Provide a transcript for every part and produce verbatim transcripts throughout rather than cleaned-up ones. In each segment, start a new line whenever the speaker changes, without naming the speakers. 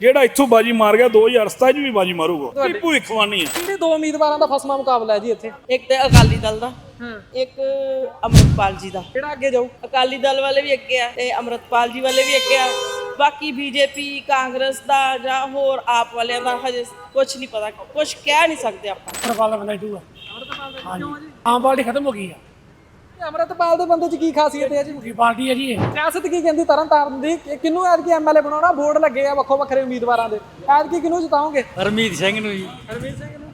ਜਿਹੜਾ ਇੱਥੋਂ ਬਾਜੀ ਮਾਰ ਗਿਆ ਦੋ ਹਜ਼ਾਰ ਸਤਾਈ ਚ ਵੀ ਬਾਜੀ ਮਾਰੂਗਾ। ਇਹ ਭਵਿੱਖਬਾਣੀ ਹੈ।
ਕਿਹੜੇ ਦੋ ਉਮੀਦਵਾਰਾਂ ਦਾ ਫਸਮਾ ਮੁਕਾਬਲਾ ਹੈ ਜੀ ਇੱਥੇ?
ਇੱਕ ਤੇ ਅਕਾਲੀ ਦਲ ਦਾ, ਇੱਕ ਅੰਮ੍ਰਿਤਪਾਲ ਜੀ ਦਾ।
ਕਿਹੜਾ ਅੱਗੇ ਜਾਊ?
ਅਕਾਲੀ ਦਲ ਵਾਲੇ ਵੀ ਅੱਗੇ ਆ ਤੇ ਅੰਮ੍ਰਿਤਪਾਲ ਜੀ ਵਾਲੇ ਵੀ ਅੱਗੇ ਆ। ਬਾਕੀ ਬੀਜੇਪੀ, ਕਾਂਗਰਸ ਦਾ ਜਾਂ ਹੋਰ ਆਪ ਵਾਲਿਆਂ ਦਾ ਹਜੇ ਕੁਝ ਨਹੀਂ ਪਤਾ, ਕੁਝ ਕਹਿ ਨਹੀਂ ਸਕਦੇ ਆਪਾਂ।
ਅੰਮ੍ਰਿਤਪਾਲ ਦਾ ਬੰਦਾ ਹੀ ਦੂਗਾ।
ਅੰਮ੍ਰਿਤਪਾਲ ਦਾ ਕਿਉਂ ਜੀ?
ਆਮ ਪਾਰਟੀ ਖਤਮ ਹੋ ਗਈ ਆ।
ਅੰਮ੍ਰਿਤਪਾਲ ਦੇ ਬੰਦੇ 'ਚ ਕੀ ਖਾਸੀਅਤ ਹੈ ਜੀ?
ਕੀ ਪਾਰਟੀ ਹੈ ਜੀ ਇਹ?
ਸਿਆਸਤ ਕੀ ਕਹਿੰਦੀ ਤਰਨ ਤਾਰਨ ਦੀ? ਕਿ ਕਿਹਨੂੰ ਐਤਕੀ ਐਮਐਲਏ ਬਣਾਉਣਾ? ਬੋਰਡ ਲੱਗੇ ਆ ਵੱਖੋ ਵੱਖਰੇ ਉਮੀਦਵਾਰਾਂ ਦੇ, ਐਤਕੀ ਕਿਹਨੂੰ ਜਿਤਾਓਗੇ?
ਹਰਮੀਤ ਸਿੰਘ ਨੂੰ ਜੀ।
ਹਰਮੀਤ ਸਿੰਘ ਨੂੰ।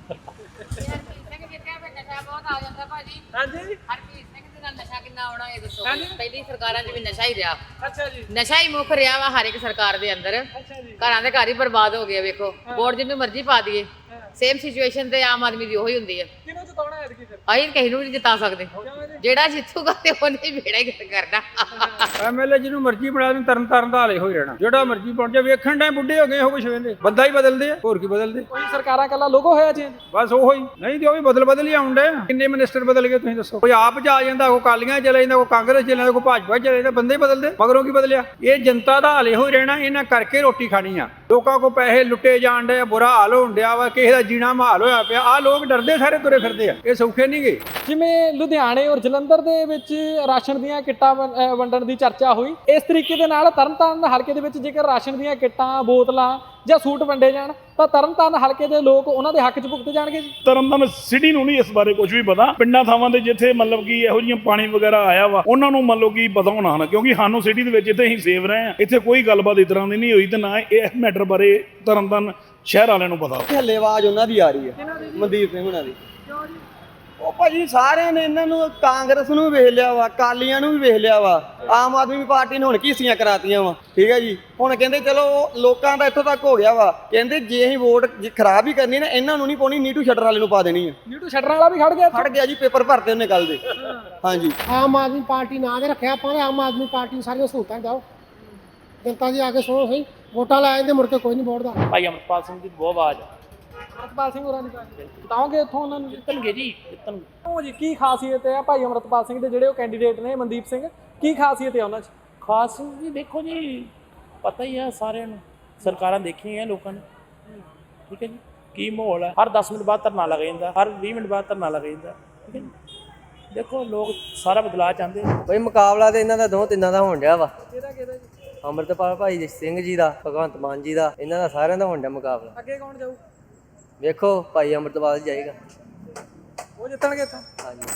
ਹਾਂਜੀ
ਹਰਮੀਤ ਸਿੰਘ ਦੇ ਨਾਲ ਨਸ਼ਾ ਕਿੰਨਾ ਆਉਣਾ ਇਹ ਦੱਸੋ?
ਹਾਂਜੀ।
ਪਹਿਲੀ ਸਰਕਾਰਾਂ 'ਚ ਵੀ ਨਸ਼ਾ ਹੀ ਰਿਹਾ,
ਅੱਛਾ ਜੀ,
ਨਸ਼ਾ ਹੀ ਮੁੱਖ ਰਿਹਾ ਵਾ ਹਰ ਇੱਕ ਸਰਕਾਰ ਦੇ ਅੰਦਰ।
ਅੱਛਾ ਜੀ।
ਘਰਾਂ ਦੇ ਘਰ ਹੀ ਬਰਬਾਦ ਹੋ ਗਏ। ਵੇਖੋ ਵੋਟ ਜਿਹਨੂੰ ਮਰਜ਼ੀ ਪਾ ਦਈਏ, ਸੇਮ ਸਿਚੁਏਸ਼ਨ ਤੇ ਆਮ ਆਦਮੀ ਦੀ ਉਹੀ ਹੁੰਦੀ ਹੈ।
ਕਿਹਨੂੰ ਜਿਤਾਉਣਾ ਐਤਕੀ ਫਿਰ?
ਅਸੀਂ ਕਿਸੇ ਨੂੰ ਵੀ ਨਹੀਂ ਜਿਤਾ ਸਕਦੇ, ਜਿਹੜਾ ਜਿੱਤੂਗਾ ਤੇ ਉਹਨੇ ਬੇੜਾ ਹੀ ਕਰਨਾ।
ਐਮਐਲਏ ਜਿਹਨੂੰ ਮਰਜ਼ੀ ਬਣਾ ਦੇਣ, ਤਰਨ ਤਾਰਨ ਦਾ ਹਾਲੇ ਹੋਈ ਰਹਿਣਾ। ਜਿਹੜਾ ਮਰਜ਼ੀ ਬਣ ਜਾ, ਵੇਖਣ ਦੇ ਬੁੱਢੇ ਹੋ ਗਏ ਹੋ ਕੁਛ ਵੇਂਦੇ, ਬੰਦਾ ਹੀ ਬਦਲਦੇ ਆ, ਹੋਰ ਕੀ ਬਦਲਦੇ।
ਕੋਈ ਸਰਕਾਰਾਂ ਕੱਲਾ ਲੋਗੋ ਹੋਇਆ ਚੇਂਜ?
ਬਸ ਉਹੋ ਹੀ ਨਹੀਂ ਤੇ ਉਹ ਵੀ ਬਦਲ ਬਦਲ ਹੀ ਆਉਂਦੇ। ਕਿੰਨੇ ਮਿਨਿਸਟਰ ਬਦਲ ਗਏ ਤੁਸੀਂ ਦੱਸੋ? ਕੋਈ ਆਪ ਚ ਆ ਜਾਂਦਾ, ਕੋਈ ਕਾਲੀਆਂ ਚਲੇ ਜਾਂਦਾ, ਕੋਈ ਕਾਂਗਰਸ ਚਲੇ ਜਾਂਦਾ, ਕੋਈ ਭਾਜਪਾ ਚਲੇ ਜਾਂਦਾ, ਬੰਦੇ ਹੀ ਬਦਲਦੇ। ਮਗਰੋਂ ਕੀ ਬਦਲਿਆ? ਇਹ ਜਨਤਾ ਦਾ ਹਾਲੇ ਹੋਈ ਰਹਿਣਾ। ਇਹਨਾਂ ਕਰਕੇ ਰੋਟੀ ਖਾਣੀ ਆ। ਲੋਕਾਂ ਕੋ ਪੈਸੇ ਲੁੱਟੇ ਜਾਣ ਡੇ, ਬੁਰਾ ਹਾਲ ਹੋਣ ਡਿਆ ਵਾ, ਕਿਸੇ ਦਾ ਜੀਣਾ ਮਹਾਲ ਹੋਇਆ ਪਿਆ। ਆਹ ਲੋਕ ਡਰਦੇ ਸਾਰੇ ਤੁਰੇ ਫਿਰਦੇ ਆ, ਇਹ ਸੌਖੇ ਨਹੀਂ ਗਏ।
ਜਿਵੇਂ ਲੁਧਿਆਣੇ ਔਰ ਜਲੰਧਰ ਦੇ ਵਿੱਚ ਰਾਸ਼ਨ ਦੀਆਂ ਕਿੱਟਾਂ ਵੰ- ਅਹ ਵੰਡਣ ਦੀ ਚਰਚਾ ਹੋਈ, ਇਸ ਤਰੀਕੇ ਦੇ ਨਾਲ ਤਰਨਤਾਰਨ ਹਲਕੇ ਦੇ ਵਿੱਚ ਜੇਕਰ ਰਾਸ਼ਨ ਦੀਆਂ ਕਿੱਟਾਂ, ਬੋਤਲਾਂ ਜਾਂ ਸੂਟ ਵੰਡੇ ਜਾਣ ਤਾਂ ਤਰਨਤਾਰਨ ਹਲਕੇ ਦੇ ਲੋਕ ਉਹਨਾਂ ਦੇ ਹੱਕ 'ਚ ਭੁਗਤੇ ਜਾਣਗੇ ਜੀ।
ਤਰਨਤਾਰਨ ਸਿਟੀ ਨੂੰ ਨਹੀਂ ਇਸ ਬਾਰੇ ਕੁਝ ਵੀ ਪਤਾ। ਪਿੰਡਾਂ ਥਾਵਾਂ ਦੇ ਜਿੱਥੇ ਮਤਲਬ ਕਿ ਇਹੋ ਜਿਹੀਆਂ ਪਾਣੀ ਵਗੈਰਾ ਆਇਆ ਵਾ, ਉਹਨਾਂ ਨੂੰ ਮੰਨ ਲਓ ਕਿ ਪਤਾ ਹੋਣਾ ਹਨ, ਕਿਉਂਕਿ ਸਾਨੂੰ ਸਿਟੀ ਦੇ ਵਿੱਚ ਇੱਥੇ ਹੀ ਸੇਵ ਰਹੇ ਆ। ਇੱਥੇ ਕੋਈ ਗੱਲਬਾਤ ਇਸ ਤਰ੍ਹਾਂ ਦੀ ਨਹੀਂ ਹੋਈ ਤੇ ਨਾ ਇਹ ਮੈਟਰ ਬਾਰੇ ਤਰਨਤਾਰਨ ਸ਼ਹਿਰ ਵਾਲਿਆਂ ਨੂੰ ਪਤਾ।
ਹੱਲੇ ਆਵਾਜ਼ ਉਹਨਾਂ ਦੀ ਆ ਰਹੀ ਹੈ, ਮਨਦੀਪ ਸਿੰਘ ਹੁਣਾਂ ਦੀ। ਉਹ ਭਾਜੀ ਸਾਰਿਆਂ ਨੇ ਇਹਨਾਂ ਨੂੰ, ਕਾਂਗਰਸ ਨੂੰ ਵੀ ਵੇਖ ਲਿਆ ਵਾ, ਕਾਲੀਆਂ ਨੂੰ ਵੀ ਵੇਖ ਲਿਆ ਵਾ, ਆਮ ਆਦਮੀ ਪਾਰਟੀ ਨੇ ਹੁਣ ਕੀਸੀਆਂ ਕਰਾਤੀਆਂ ਵਾ। ਠੀਕ ਹੈ ਜੀ, ਹੁਣ ਕਹਿੰਦੇ ਚਲੋ ਲੋਕਾਂ ਦਾ ਇੱਥੋਂ ਤੱਕ ਹੋ ਗਿਆ ਵਾ, ਕਹਿੰਦੇ ਜੇ ਅਸੀਂ ਵੋਟ ਖਰਾਬ ਹੀ ਕਰਨੀ ਨਾ, ਇਹਨਾਂ ਨੂੰ ਨਹੀਂ ਪਾਉਣੀ, ਨੀਟੂ ਸ਼ਟਰ ਵਾਲੇ ਨੂੰ ਪਾ ਦੇਣੀ ਹੈ।
ਨੀਟੂ ਸ਼ਟਰਾਂ ਵਾਲਾ ਵੀ ਖੜ ਗਿਆ
ਖੜ ਗਿਆ ਜੀ, ਪੇਪਰ ਭਰਤੇ ਉਹਨੇ ਕੱਲ ਦੇ। ਹਾਂਜੀ,
ਆਮ ਆਦਮੀ ਪਾਰਟੀ ਨਾਂ ਦੇ ਰੱਖਿਆ ਆਪਾਂ ਨੇ। ਆਮ ਆਦਮੀ ਪਾਰਟੀ ਨੂੰ ਸਾਰੀਆਂ ਸਹੂਲਤਾਂ ਦਿਓ। ਜਨਤਾ ਜੀ ਆ ਕੇ ਸੁਣੋ ਸਹੀ, ਵੋਟਾਂ ਲੈ ਜਾਂਦੇ, ਮੁੜ ਕੇ ਕੋਈ ਨਹੀਂ ਵੋਟਦਾ।
ਭਾਈ ਅੰਮ੍ਰਿਤਪਾਲ ਸਿੰਘ ਦੀ ਬਹੁਤ ਆਵਾਜ਼ ਆ।
ਅੰਮ੍ਰਿਤਪਾਲ ਸਿੰਘ ਹੋਰਾਂ ਦੀ ਜਿਤਾਓਗੇ ਇੱਥੋਂ ਉਹਨਾਂ ਨੂੰ?
ਜਿੱਤਣਗੇ ਜੀ, ਜਿੱਤਣਗੇ।
ਉਹ ਜੀ ਕੀ ਖਾਸੀਅਤ ਹੈ ਭਾਈ ਅੰਮ੍ਰਿਤਪਾਲ ਸਿੰਘ ਦੇ ਜਿਹੜੇ ਉਹ ਕੈਂਡੀਡੇਟ ਨੇ ਮਨਦੀਪ ਸਿੰਘ, ਕੀ ਖਾਸੀਅਤ ਹੈ ਉਹਨਾਂ 'ਚ?
ਖਾਸ ਜੀ ਦੇਖੋ ਜੀ, ਪਤਾ ਹੀ ਆ ਸਾਰਿਆਂ ਨੂੰ, ਸਰਕਾਰਾਂ ਦੇਖੀਆਂ ਲੋਕਾਂ ਨੇ। ਠੀਕ ਹੈ ਜੀ, ਕੀ ਮਾਹੌਲ ਹੈ। ਹਰ ਦਸ ਮਿੰਟ ਬਾਅਦ ਧਰਨਾ ਲੱਗ ਜਾਂਦਾ, ਹਰ ਵੀਹ ਮਿੰਟ ਬਾਅਦ ਧਰਨਾ ਲੱਗ ਜਾਂਦਾ। ਠੀਕ ਹੈ ਜੀ, ਦੇਖੋ ਲੋਕ ਸਾਰਾ ਬਦਲਾਅ ਚਾਹੁੰਦੇ।
ਬਈ ਮੁਕਾਬਲਾ ਤੇ ਇਹਨਾਂ ਦਾ ਦੋ ਤਿੰਨਾਂ ਦਾ ਹੋਣ ਡਿਆ ਵਾ।
ਕਿਹਦਾ ਕਿਹਦਾ ਜੀ?
ਅੰਮ੍ਰਿਤਪਾਲ ਭਾਈ ਸਿੰਘ ਜੀ ਦਾ, ਭਗਵੰਤ ਮਾਨ ਜੀ ਦਾ, ਇਹਨਾਂ ਦਾ ਸਾਰਿਆਂ ਦਾ ਹੋਣ ਡਿਆ ਮੁਕਾਬਲਾ।
ਅੱਗੇ ਕੌਣ ਜਾਊ?
ਵੇਖੋ ਭਾਈ ਅੰਮ੍ਰਿਤਪਾਲ ਜਾਏਗਾ।
ਉਹ ਜਿੱਤਣਗੇ ਇੱਥੋਂ?
ਹਾਂਜੀ।